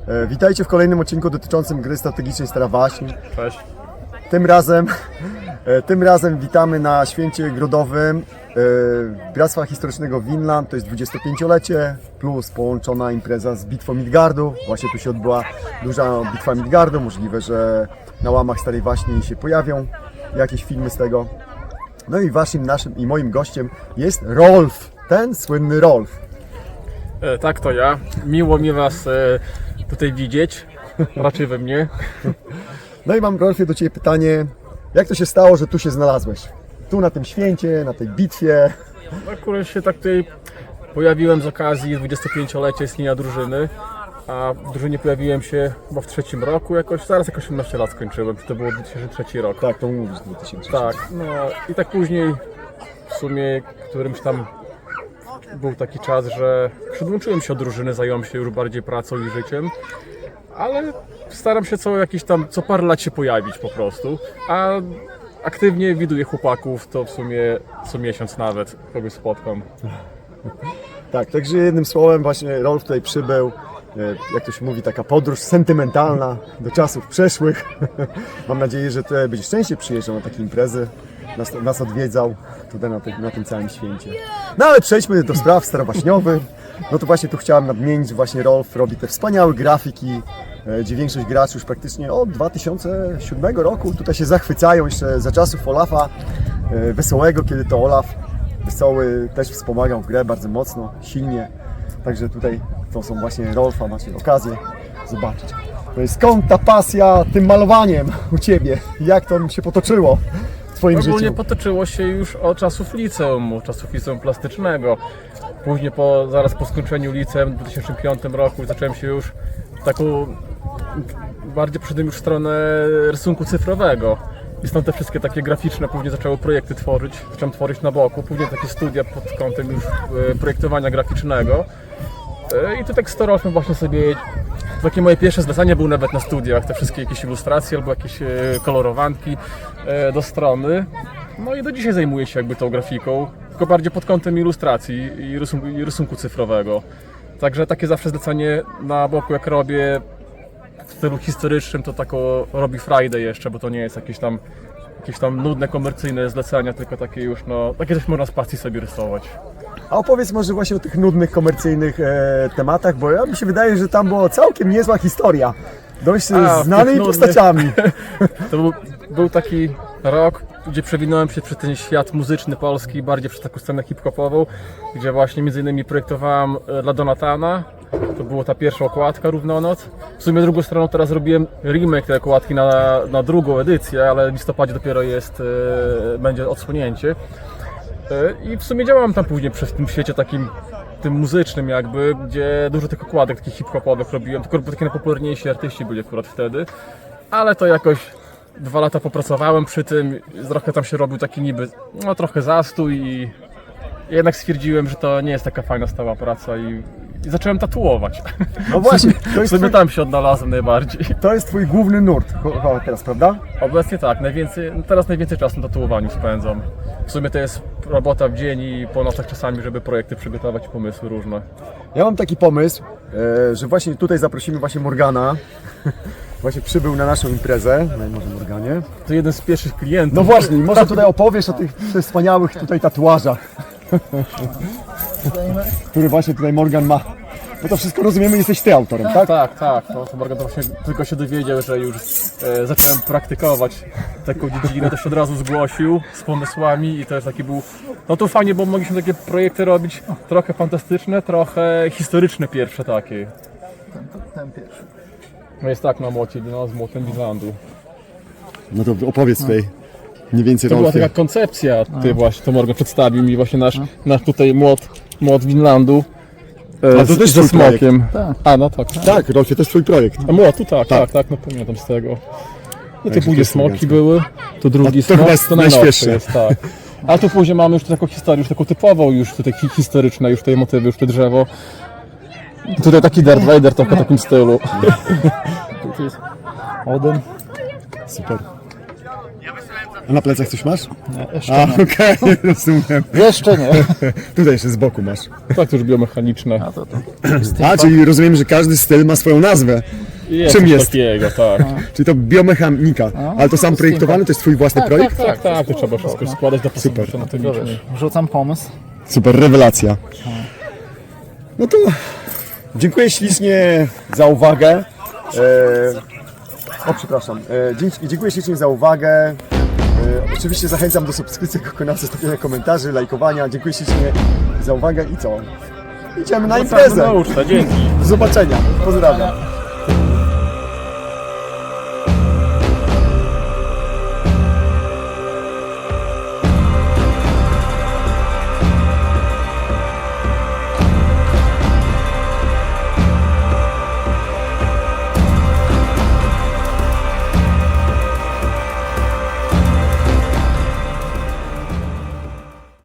Witajcie w kolejnym odcinku dotyczącym gry strategicznej Stara Waśń. Cześć. Tym razem witamy na święcie grodowym Bractwa Historycznego Vinland. To jest 25-lecie plus połączona impreza z Bitwą Midgardu. Właśnie tu się odbyła duża Bitwa Midgardu. Możliwe, że na łamach Starej Waśni się pojawią jakieś filmy z tego. No i waszym, naszym i moim gościem jest Rolf, ten słynny Rolf. Tak, to ja. Miło mi Was tutaj widzieć, raczej we mnie. No i mam, Rolfie, do Ciebie pytanie, jak to się stało, że tu się znalazłeś? Tu na tym święcie, na tej bitwie. Akurat się tak tutaj pojawiłem z okazji 25-lecia istnienia drużyny, a w drużynie pojawiłem się chyba w trzecim roku jakoś, zaraz jak 18 lat skończyłem, to było 2003 rok. Tak, to mówisz 2003. Tak, no i tak później w sumie którymś tam był taki czas, że przyłączyłem się do drużyny, zająłem się już bardziej pracą i życiem, ale staram się co parę lat się pojawić po prostu, a aktywnie widuję chłopaków, to w sumie co miesiąc nawet kogoś spotkam. Tak, także jednym słowem właśnie Rolf tutaj przybył, jak to się mówi, taka podróż sentymentalna do czasów przeszłych. Mam nadzieję, że tutaj będziesz częściej przyjeżdżał na takie imprezy, nas odwiedzał tutaj na tym całym święcie. No ale przejdźmy do spraw starowaśniowych. No to właśnie tu chciałem nadmienić, że właśnie Rolf robi te wspaniałe grafiki, gdzie większość graczy już praktycznie od 2007 roku tutaj się zachwycają, jeszcze za czasów Olafa Wesołego, kiedy to Olaf Wesoły też wspomagał w grę bardzo mocno, silnie. Także tutaj to są właśnie Rolfa, macie okazję zobaczyć. To jest skąd ta pasja tym malowaniem u Ciebie? Jak to się potoczyło w Twoim Ogólnie życiu? potoczyło się już od czasów liceum plastycznego. Później zaraz po skończeniu liceum w 2005 roku zacząłem się już bardziej poszedłem już w stronę rysunku cyfrowego. I stąd te wszystkie takie graficzne, później zacząłem projekty tworzyć, zacząłem tworzyć na boku, później takie studia pod kątem już projektowania graficznego. I tu tak z Rolfem właśnie sobie, takie moje pierwsze zlecenie były nawet na studiach, te wszystkie jakieś ilustracje albo jakieś kolorowanki do strony. No i do dzisiaj zajmuję się jakby tą grafiką, tylko bardziej pod kątem ilustracji i rysunku cyfrowego. Także takie zawsze zlecenie na boku jak robię w stylu historycznym, to tako robi Friday jeszcze, bo to nie jest jakieś tam nudne, komercyjne zlecenia, tylko takie już, no, takie coś można z pasji sobie rysować. A opowiedz może właśnie o tych nudnych, komercyjnych tematach, bo mi się wydaje, że tam była całkiem niezła historia. Dość znanymi postaciami. To był taki rok, gdzie przewinąłem się przez ten świat muzyczny polski, bardziej przez taką scenę hip-hopową, gdzie właśnie między innymi projektowałem dla Donatana. To była ta pierwsza okładka Równonoc. W sumie drugą stroną teraz robiłem remake tej okładki na drugą edycję, ale w listopadzie dopiero będzie odsłonięcie. I w sumie działałem tam później przez tym świecie tym muzycznym jakby, gdzie dużo tych okładek takich hip-hopowych robiłem, tylko takie najpopularniejsi artyści byli akurat wtedy. Ale to jakoś 2 lata popracowałem przy tym, trochę tam się robił taki niby, no trochę zastój i jednak stwierdziłem, że to nie jest taka fajna stała praca i zacząłem tatuować. No właśnie, to jest sobie tam się odnalazłem najbardziej. To jest Twój główny nurt teraz, prawda? Obecnie tak, teraz najwięcej czasu na tatuowaniu spędzam. W sumie to jest robota w dzień i po nocach czasami, żeby projekty przygotować i pomysły różne. Ja mam taki pomysł, że właśnie tutaj zaprosimy właśnie Morgana. Właśnie przybył na naszą imprezę, może Morganie. To jeden z pierwszych klientów. No właśnie, może tutaj opowiesz o tych wspaniałych tutaj tatuażach, który właśnie tutaj Morgan ma. Bo to wszystko rozumiemy, jesteś Ty autorem, tak? Tak. To Morgan to właśnie tylko się dowiedział, że już zacząłem praktykować taką dziedzinę, to się od razu zgłosił z pomysłami i też taki był, no to fajnie, bo mogliśmy takie projekty robić trochę fantastyczne, trochę historyczne pierwsze takie. Ten pierwszy. No jest tak na młocie, no z młotem Vinlandu. No to opowiedz tutaj mniej więcej To była Rolfie. taka koncepcja, właśnie to Morgan przedstawił mi właśnie nasz tutaj młot Vinlandu. A to też ze twój smokiem. Tak. A no tak. Tak, Rolfie, to jest Twój projekt. A młotu tak, no pamiętam z tego. No to Także to później jest smoki elegancko. były, to drugi to smok, chyba jest to najnowszy najświeższe. jest, tak. A tu później mamy już taką historię, już taką typową, już tutaj historyczne, już tutaj motywy, już te drzewo. Tutaj taki Darth Vader trochę w takim stylu. Tu jest Odin. Super. A na plecach coś masz? Nie, jeszcze A, nie. okej, rozumiem. Jeszcze nie. Tutaj jeszcze z boku masz. Tak, to już biomechaniczne. A to. A, czyli rozumiem, że każdy styl ma swoją nazwę. Jest Czym coś jest? takiego, tak. Czyli to biomechanika. Ale to sam projektowany, to jest twój własny projekt? Tak, to trzeba wszystko składać, dopasować się na to Tylko wiesz, wrzucam pomysł. Super, rewelacja. No to dziękuję ślicznie za uwagę. Przepraszam. Dziękuję ślicznie za uwagę. Oczywiście zachęcam do subskrypcji kanału, zostawiania komentarzy, lajkowania. Dziękuję ślicznie za uwagę i co? Idziemy na imprezę. Nauczta, dzięki. Do zobaczenia. Pozdrawiam.